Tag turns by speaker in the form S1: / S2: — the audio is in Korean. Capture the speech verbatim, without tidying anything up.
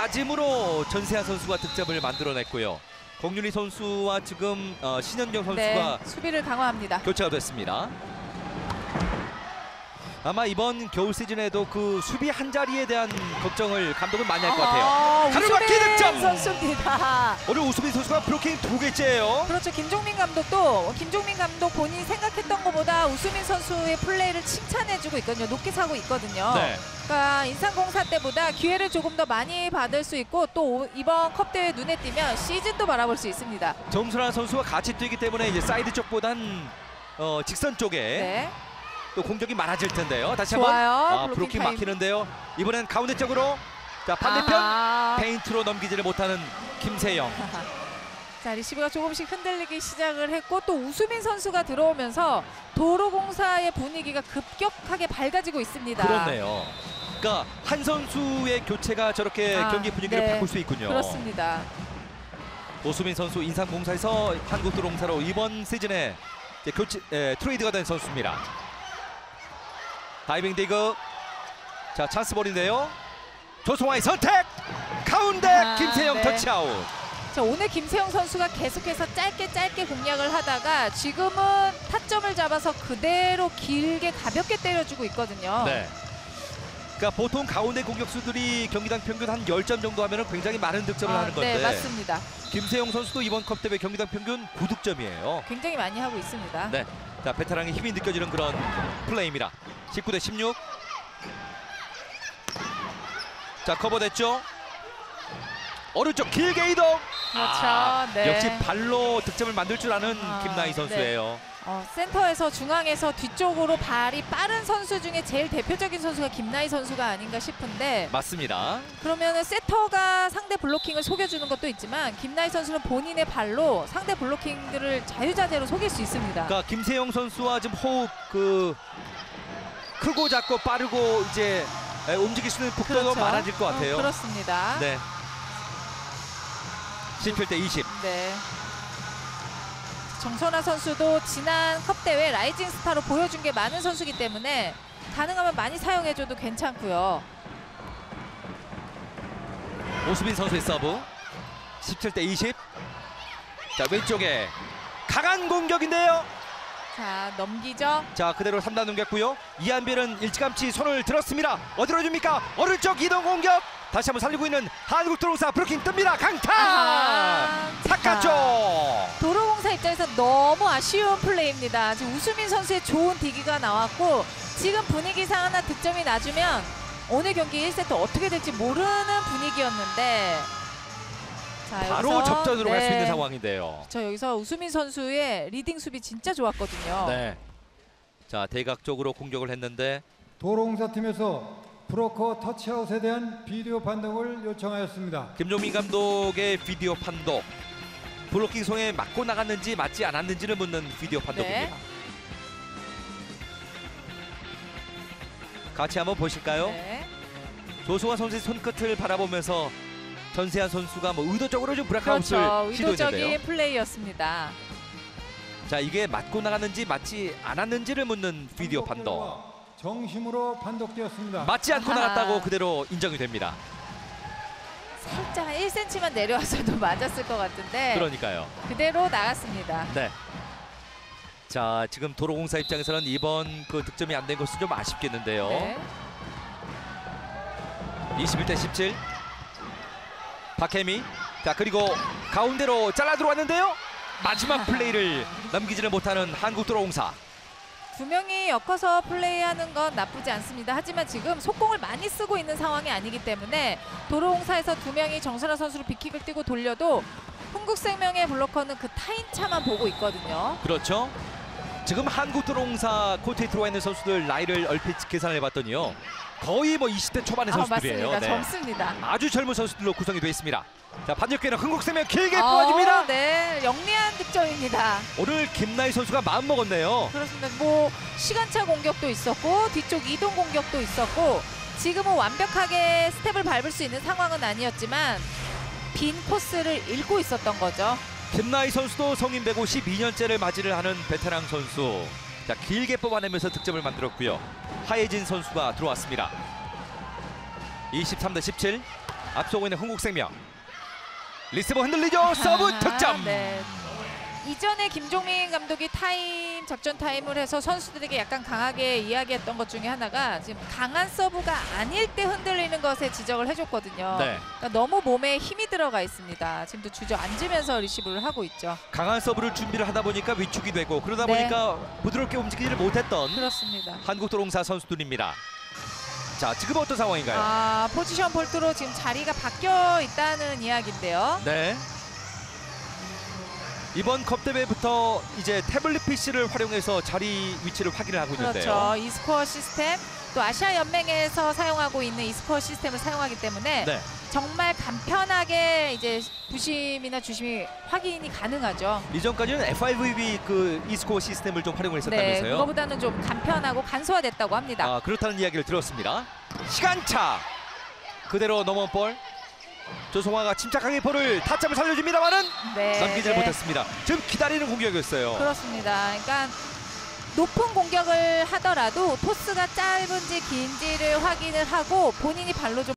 S1: 맞음으로 전세아 선수가 득점을 만들어냈고요. 공윤희 선수와 지금 어, 신현경 선수가
S2: 네, 수비를 강화합니다.
S1: 교체가 됐습니다. 아마 이번 겨울 시즌에도 그 수비 한 자리에 대한 걱정을 감독은 많이 할 것 같아요. 가로막기 득점!
S2: 선수입니다.
S1: 오늘 우수빈 선수가 브로킹 두 개째예요.
S2: 그렇죠. 김종민 감독도 김종민 감독 본인이 생각했던 것보다 우수민 선수의 플레이를 칭찬해주고 있거든요. 높게 사고 있거든요.
S1: 네.
S2: 그러니까 인삼공사 때보다 기회를 조금 더 많이 받을 수 있고 또 이번 컵 대회 눈에 띄면 시즌도 바라볼 수 있습니다.
S1: 정순환 선수와 같이 뛰기 때문에 이제 사이드 쪽보단 어, 직선 쪽에
S2: 네.
S1: 또 공격이 많아질 텐데요. 다시
S2: 좋아요.
S1: 한번 아,
S2: 블로킹
S1: 브로킹
S2: 타임.
S1: 막히는데요. 이번엔 가운데 쪽으로 자 반대편
S2: 아하.
S1: 페인트로 넘기지를 못하는 김세영.
S2: 자, 리시브가 조금씩 흔들리기 시작을 했고 또 우수민 선수가 들어오면서 도로공사의 분위기가 급격하게 밝아지고 있습니다.
S1: 그렇네요. 그러니까 한 선수의 교체가 저렇게
S2: 아,
S1: 경기 분위기를
S2: 네.
S1: 바꿀 수 있군요.
S2: 그렇습니다.
S1: 오수민 선수 인삼공사에서 한국도로공사로 이번 시즌에 이제 교체 에, 트레이드가 된 선수입니다. 다이빙 디그. 자, 찬스볼인데요. 조성화의 선택. 가운데
S2: 아,
S1: 김세영
S2: 네.
S1: 터치아웃.
S2: 자, 오늘 김세영 선수가 계속해서 짧게 짧게 공략을 하다가 지금은 타점을 잡아서 그대로 길게 가볍게 때려주고 있거든요.
S1: 네. 그러니까 보통 가운데 공격수들이 경기당 평균 한 십 점 정도 하면 굉장히 많은 득점을
S2: 아,
S1: 하는 건데
S2: 네, 맞습니다.
S1: 김세영 선수도 이번 컵 대회 경기당 평균 구 득점이에요.
S2: 굉장히 많이 하고 있습니다.
S1: 네. 자, 베테랑의 힘이 느껴지는 그런 플레이입니다. 십구 대 십육. 자, 커버됐죠. 오른쪽 길게 이동.
S2: 그렇죠.
S1: 아,
S2: 네.
S1: 역시 발로 득점을 만들 줄 아는
S2: 아,
S1: 김나희 선수예요.
S2: 어, 센터에서 중앙에서 뒤쪽으로 발이 빠른 선수 중에 제일 대표적인 선수가 김나희 선수가 아닌가 싶은데
S1: 맞습니다.
S2: 그러면은 세터가 상대 블로킹을 속여주는 것도 있지만 김나희 선수는 본인의 발로 상대 블로킹들을 자유자재로 속일 수 있습니다.
S1: 그러니까 김세영 선수와 지금 호흡 그 크고 작고 빠르고 이제 에, 움직일 수 있는 폭도도
S2: 그렇죠.
S1: 많아질 것 같아요.
S2: 어, 그렇습니다.
S1: 네. 십칠 대 이십.
S2: 네. 정선아 선수도 지난 컵 대회 라이징 스타로 보여준 게 많은 선수이기 때문에 가능하면 많이 사용해줘도 괜찮고요.
S1: 오수빈 선수의 서브. 십칠 대 이십. 자, 왼쪽에 강한 공격인데요.
S2: 자, 넘기죠.
S1: 자, 그대로 삼 단 넘겼고요. 이한빈은 일찌감치 손을 들었습니다. 어디로 줍니까? 오른쪽 이동 공격. 다시 한번 살리고 있는 한국도로공사 브로킹 뜹니다. 강타!
S2: 아하.
S1: 삭가죠.
S2: 도로공사 입장에서 너무 아쉬운 플레이입니다. 지금 우수민 선수의 좋은 디기가 나왔고 지금 분위기상 하나 득점이 나주면 오늘 경기 일 세트 어떻게 될지 모르는 분위기였는데 자,
S1: 바로
S2: 여기서,
S1: 접전으로 갈 수
S2: 네.
S1: 있는 상황인데요.
S2: 저 여기서 우수민 선수의 리딩 수비 진짜 좋았거든요.
S1: 네. 자, 대각 쪽으로 공격을 했는데
S3: 도로공사 팀에서 브로커 터치아웃에 대한 비디오 판독을 요청하였습니다.
S1: 김종민 감독의 비디오 판독. 블로킹 손에 맞고 나갔는지 맞지 않았는지를 묻는 비디오 판독입니다.
S2: 네.
S1: 같이 한번 보실까요?
S2: 네.
S1: 조수아 선수의 손끝을 바라보면서 전세한 선수가 뭐 의도적으로 좀 브라카웃을
S2: 그렇죠.
S1: 시도했는데요.
S2: 의도적인 플레이였습니다.
S1: 자, 이게 맞고 나갔는지 맞지 않았는지를 묻는 비디오 판독.
S3: 정심으로 판독되었습니다.
S1: 맞지 않고
S2: 아하.
S1: 나갔다고 그대로 인정이 됩니다.
S2: 살짝 한 일 센티미터만 내려와서도 맞았을 것 같은데
S1: 그러니까요.
S2: 그대로 나갔습니다.
S1: 네. 자, 지금 도로공사 입장에서는 이번 그 득점이 안 된 것은 좀 아쉽겠는데요.
S2: 네.
S1: 이십일 대 십칠. 박혜미. 자, 그리고 가운데로 잘라 들어왔는데요. 마지막 플레이를 넘기지를 못하는 한국도로공사.
S2: 두 명이 엮어서 플레이하는 건 나쁘지 않습니다. 하지만 지금 속공을 많이 쓰고 있는 상황이 아니기 때문에 도로공사에서 두 명이 정선아 선수로 빅킥을 뛰고 돌려도 흥국생명의 블로커는 그 타임차만 보고 있거든요.
S1: 그렇죠. 지금 한국도로공사 코트에 들어와 있는 선수들 나이를 얼핏 계산을 해봤더니요. 거의 뭐 이십 대 초반의
S2: 아,
S1: 선수들이에요.
S2: 맞습니다.
S1: 네.
S2: 젊습니다.
S1: 아주 젊은 선수들로 구성이 되어 있습니다. 자, 반격기는 흥국생명 길게
S2: 어,
S1: 뽑아줍니다.
S2: 네, 영리한 득점입니다.
S1: 오늘 김나희 선수가 마음 먹었네요.
S2: 그렇습니다. 뭐 시간차 공격도 있었고 뒤쪽 이동 공격도 있었고 지금은 완벽하게 스텝을 밟을 수 있는 상황은 아니었지만 빈 코스를 읽고 있었던 거죠.
S1: 김나희 선수도 성인 배구 십이 년째를 맞이를 하는 베테랑 선수. 자, 길게 뽑아내면서 득점을 만들었고요. 하예진 선수가 들어왔습니다. 이십삼 대 십칠. 앞서고 있는 흥국생명. 리스버 흔들리죠. 서브
S2: 아,
S1: 득점.
S2: 네. 이전에 김종민 감독이 타임 작전 타임을 해서 선수들에게 약간 강하게 이야기했던 것 중에 하나가 지금 강한 서브가 아닐 때 흔들리는 것에 지적을 해줬거든요.
S1: 네.
S2: 그러니까 너무 몸에 힘이 들어가 있습니다. 지금도 주저앉으면서 리시브를 하고 있죠.
S1: 강한 서브를 준비를 하다 보니까 위축이 되고 그러다
S2: 네.
S1: 보니까 부드럽게 움직이지를 못했던
S2: 그렇습니다.
S1: 한국도롱사 선수들입니다. 자, 지금 어떤 상황인가요?
S2: 아, 포지션 볼트로 지금 자리가 바뀌어 있다는 이야기인데요.
S1: 네. 이번 컵 대회부터 이제 태블릿 피씨를 활용해서 자리 위치를 확인을 하고 있는데요.
S2: 그렇죠. e스코어 시스템, 또 아시아 연맹에서 사용하고 있는 e스코어 시스템을 사용하기 때문에
S1: 네.
S2: 정말 간편하게 이제 부심이나 주심이 확인이 가능하죠.
S1: 이전까지는 에프아이브이 그 e스코어 시스템을 좀 활용을
S2: 네,
S1: 했었다면서요.
S2: 그거보다는 좀 간편하고 간소화됐다고 합니다.
S1: 아, 그렇다는 이야기를 들었습니다. 시간차 그대로 넘어온 볼. 조성화가 침착하게 볼을 타점을 살려줍니다만은
S2: 네,
S1: 넘기지를
S2: 네.
S1: 못했습니다. 지금 기다리는 공격이었어요.
S2: 그렇습니다. 그러니까 높은 공격을 하더라도 토스가 짧은지 긴지를 확인을 하고 본인이 발로 좀